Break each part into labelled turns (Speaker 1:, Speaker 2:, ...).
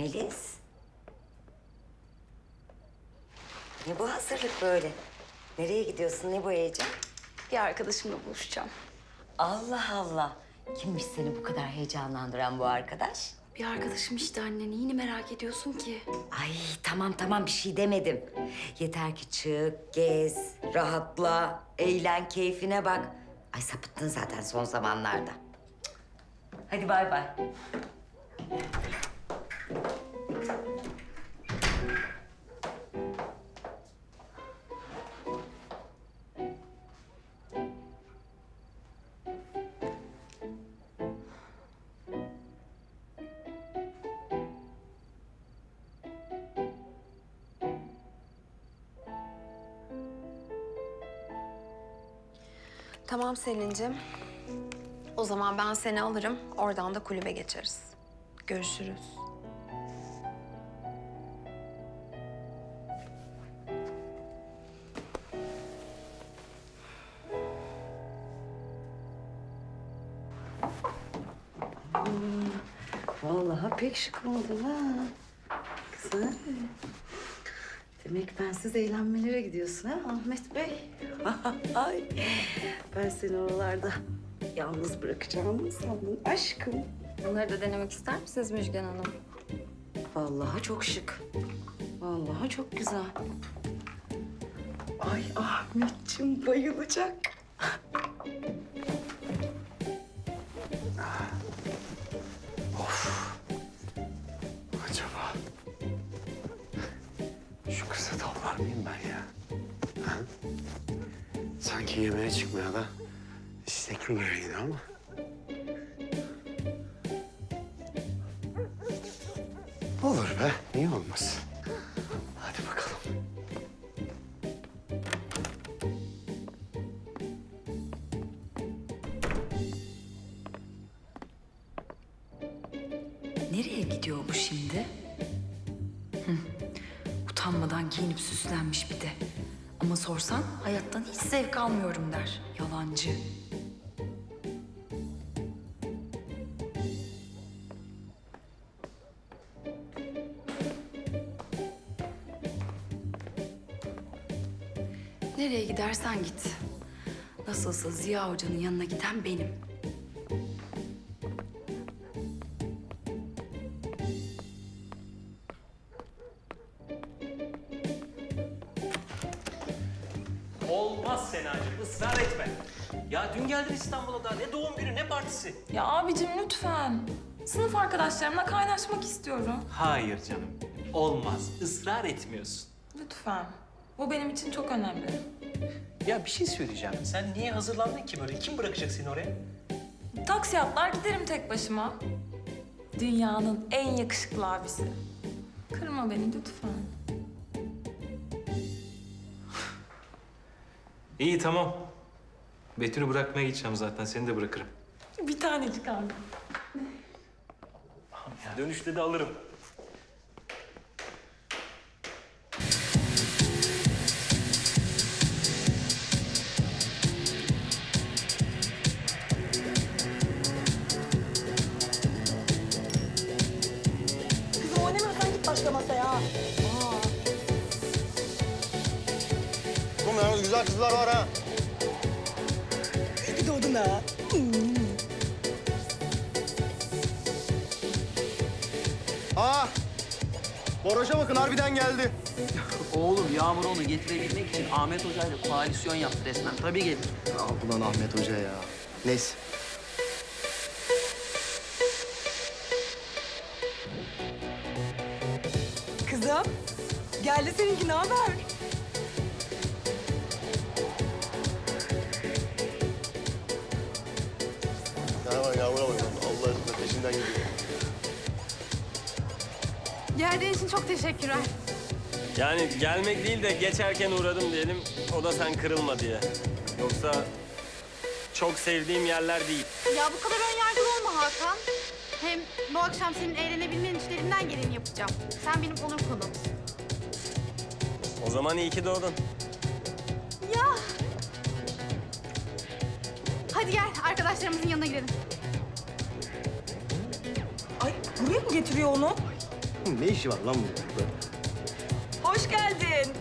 Speaker 1: Melis. Ne bu hazırlık böyle? Nereye gidiyorsun? Ne bu heyecan?
Speaker 2: Bir arkadaşımla buluşacağım.
Speaker 1: Allah Allah. Kimmiş seni bu kadar heyecanlandıran bu arkadaş?
Speaker 2: Bir arkadaşım işte anne. Neyini merak ediyorsun ki?
Speaker 1: Ay tamam bir şey demedim. Yeter ki çık, gez, rahatla, eğlen, keyfine bak. Ay sapıttın zaten son zamanlarda. Cık. Hadi bay bay.
Speaker 3: Tamam Selin'cim. O zaman ben seni alırım. Oradan da kulübe geçeriz. Görüşürüz.
Speaker 1: Vallahi pek şık oldun ha. Güzel. Demek bensiz eğlenmelere gidiyorsun ha Ahmet Bey? Ay, ben seni oralarda yalnız bırakacağımı mı sandın aşkım?
Speaker 3: Bunları da denemek ister misiniz Müjgan Hanım?
Speaker 1: Vallahi çok şık. Vallahi çok güzel. Ay Ahmetciğim bayılacak.
Speaker 4: Acaba şu kıza tavlar mıyım ben ya? Ha? Sanki yemeğe çıkmaya da istekli biriydi ama. Olur be, niye olmaz? Hadi bakalım.
Speaker 5: Nereye gidiyor bu şimdi? Utanmadan giyinip süslenmiş bir de. Ama sorsan hayattan hiç zevk almıyorum der. Yalancı. Nereye gidersen git. Nasılsa Ziya Hoca'nın yanına giden benim.
Speaker 6: Olmaz Senacığım, ısrar etme. Ya dün geldin İstanbul'a da ne doğum günü ne partisi.
Speaker 7: Ya abicim lütfen. Sınıf arkadaşlarımla kaynaşmak istiyorum.
Speaker 6: Hayır canım, olmaz. Israr etmiyorsun.
Speaker 7: Lütfen. Bu benim için çok önemli.
Speaker 6: Ya bir şey söyleyeceğim. Sen niye hazırlandın ki böyle? Kim bırakacak seni oraya?
Speaker 7: Taksi atlar giderim tek başıma. Dünyanın en yakışıklı abisi. Kırma beni lütfen.
Speaker 6: İyi tamam. Betül'ü bırakmaya gideceğim zaten. Seni de bırakırım.
Speaker 7: Bir tanecik abi.
Speaker 6: Dönüşte de alırım.
Speaker 8: Kızım oynamıyorsan git başka masaya.
Speaker 4: Oğlum yalnız güzel kızlar var ha.
Speaker 8: Bir doğdun ha.
Speaker 4: Aa! Boroş'a bakın harbiden geldi.
Speaker 9: Oğlum Yağmur onu getirebilmek için Ahmet Hoca ile koalisyon yaptı resmen. Tabii gelir.
Speaker 4: Ah ulan Ahmet Hoca ya. Neyse.
Speaker 8: Kızım, geldi seninki, ne haber?
Speaker 4: Hemen yavrum Allah aşkına peşinden gidiyor.
Speaker 3: Geldiğin için çok teşekkürler.
Speaker 10: Yani gelmek değil de geçerken uğradım diyelim. O da sen kırılma diye. Yoksa çok sevdiğim yerler değil.
Speaker 11: Ya bu kadar ön yargılı olma Hakan. Hem bu akşam senin eğlenebilmen için elimden geleni yapacağım. Sen benim onur konumsun.
Speaker 10: O zaman iyi ki doğdun.
Speaker 11: Ya. Hadi gel arkadaşlarımızın yanına gidelim.
Speaker 8: Ay, buraya mı getiriyor onu?
Speaker 12: Ne işi var lan burada?
Speaker 8: Hoş geldin.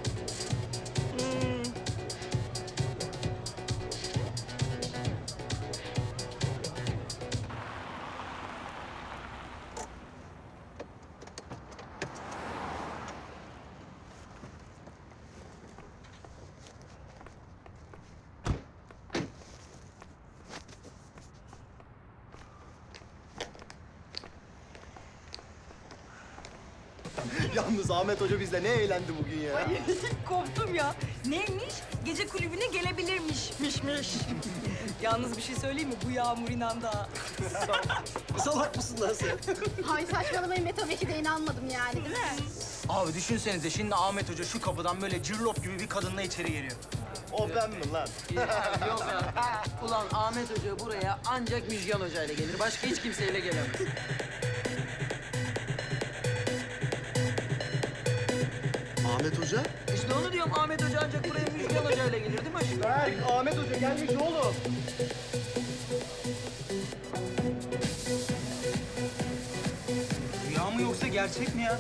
Speaker 12: Yalnız Ahmet Hoca bizle ne eğlendi bugün ya.
Speaker 8: Ay koptum ya. Neymiş? Gece kulübüne gelebilirmiş. Miş. Yalnız bir şey söyleyeyim mi? Bu yağmur inandı ha.
Speaker 12: Salak mısın lan sen?
Speaker 11: Hay saçmalamayın ve tabii ki de inanmadım yani değil mi?
Speaker 9: Abi düşünsenize şimdi Ahmet Hoca şu kapıdan böyle cırlop gibi bir kadınla içeri geliyor.
Speaker 12: O ben mi lan?
Speaker 9: Yok ya. Ulan Ahmet Hoca buraya ancak Müjgan Hoca ile gelir. Başka hiç kimseyle gelemez.
Speaker 12: Ahmet Hoca?
Speaker 9: İşte onu diyorum Ahmet Hoca ancak buraya Müjgan Hoca ile gelir değil mi aşkım?
Speaker 12: Berk, Ahmet Hoca gelmiş oğlum.
Speaker 9: Rüya mı yoksa gerçek mi ya?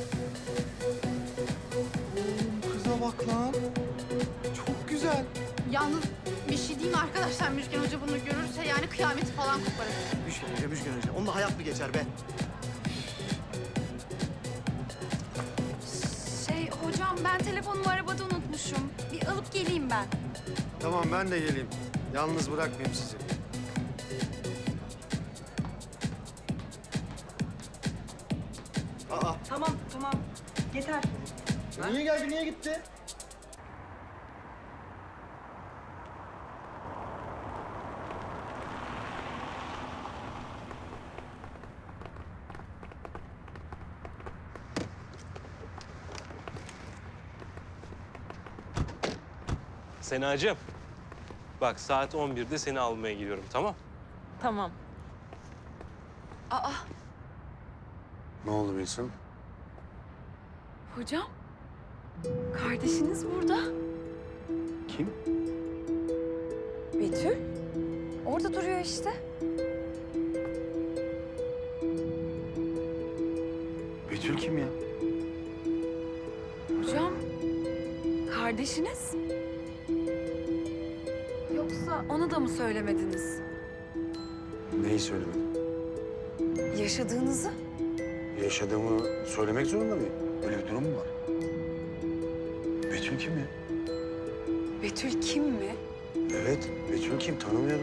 Speaker 12: Kıza bak lan. Çok güzel.
Speaker 11: Yalnız bir şey diyeyim mi arkadaşlar? Müjgan Hoca bunu görürse yani kıyameti falan koparır.
Speaker 12: Müjgan Hoca. Onunla hayat mı geçer be?
Speaker 2: Hocam ben telefonumu arabada unutmuşum. Bir alıp geleyim ben.
Speaker 4: Tamam ben de geleyim. Yalnız bırakmayayım sizi.
Speaker 12: Aa,
Speaker 8: Tamam. Yeter.
Speaker 12: niye geldi, niye gitti?
Speaker 10: Senacığım. Bak saat 11'de seni almaya gidiyorum tamam?
Speaker 7: Tamam.
Speaker 4: Ne oldu Wilson?
Speaker 2: Hocam, kardeşiniz burada.
Speaker 4: Kim?
Speaker 2: Betül. Orada duruyor işte.
Speaker 4: Betül kim ya?
Speaker 2: Hocam, kardeşiniz. Yoksa onu da mı söylemediniz?
Speaker 4: Neyi söylemedin?
Speaker 2: Yaşadığınızı.
Speaker 4: Yaşadığımı söylemek zorunda mıyım? Öyle bir durum mu var? Betül kim ya?
Speaker 2: Betül kim mi?
Speaker 4: Evet, Betül kim? Tanımıyorum.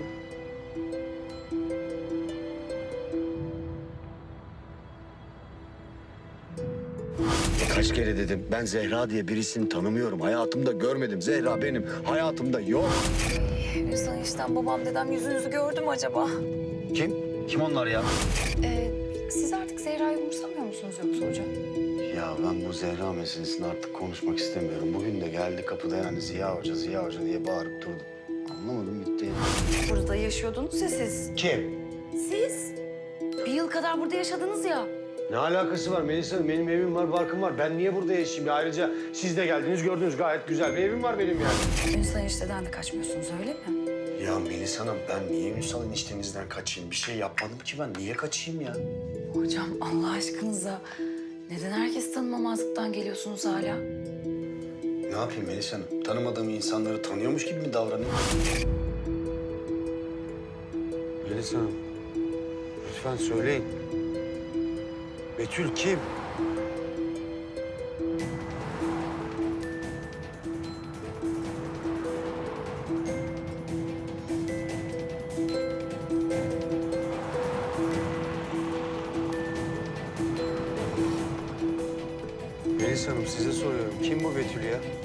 Speaker 4: Kaç kere dedim, ben Zehra diye birisini tanımıyorum. Hayatımda görmedim. Zehra benim hayatımda yok.
Speaker 2: Hüsnü işten babam dedem yüzünüzü gördü mü acaba?
Speaker 4: Kim? Kim onlar ya?
Speaker 2: Siz artık Zehra'yı umursamıyor musunuz yoksa hocam?
Speaker 4: Ya ben bu Zehra meselesini artık konuşmak istemiyorum. Bugün de geldi kapıda yani Ziya Hoca diye bağırıp durdu. Anlamadım gitti yani.
Speaker 2: Burada yaşıyordunuz ya siz.
Speaker 4: Kim?
Speaker 2: Siz? Bir yıl kadar burada yaşadınız ya.
Speaker 4: Ne alakası var Melisa Hanım? Benim evim var, barkım var. Ben niye burada yaşayayım ya? Ayrıca siz de geldiniz, gördünüz gayet güzel bir evim var benim yani.
Speaker 2: Ünsal enişteden de kaçmıyorsunuz öyle mi?
Speaker 4: Ya Melisa Hanım ben niye Ünsal eniştenizden kaçayım? Bir şey yapmadım ki ben. Niye kaçayım ya?
Speaker 2: Hocam Allah aşkınıza neden herkes tanımamazlıktan geliyorsunuz hala?
Speaker 4: Ne yapayım Melisa Hanım? Tanımadığım insanları tanıyormuş gibi mi davranayım? Melisa Hanım, lütfen söyleyin. Betül kim? Melisa Hanım size soruyorum. Kim bu Betül ya?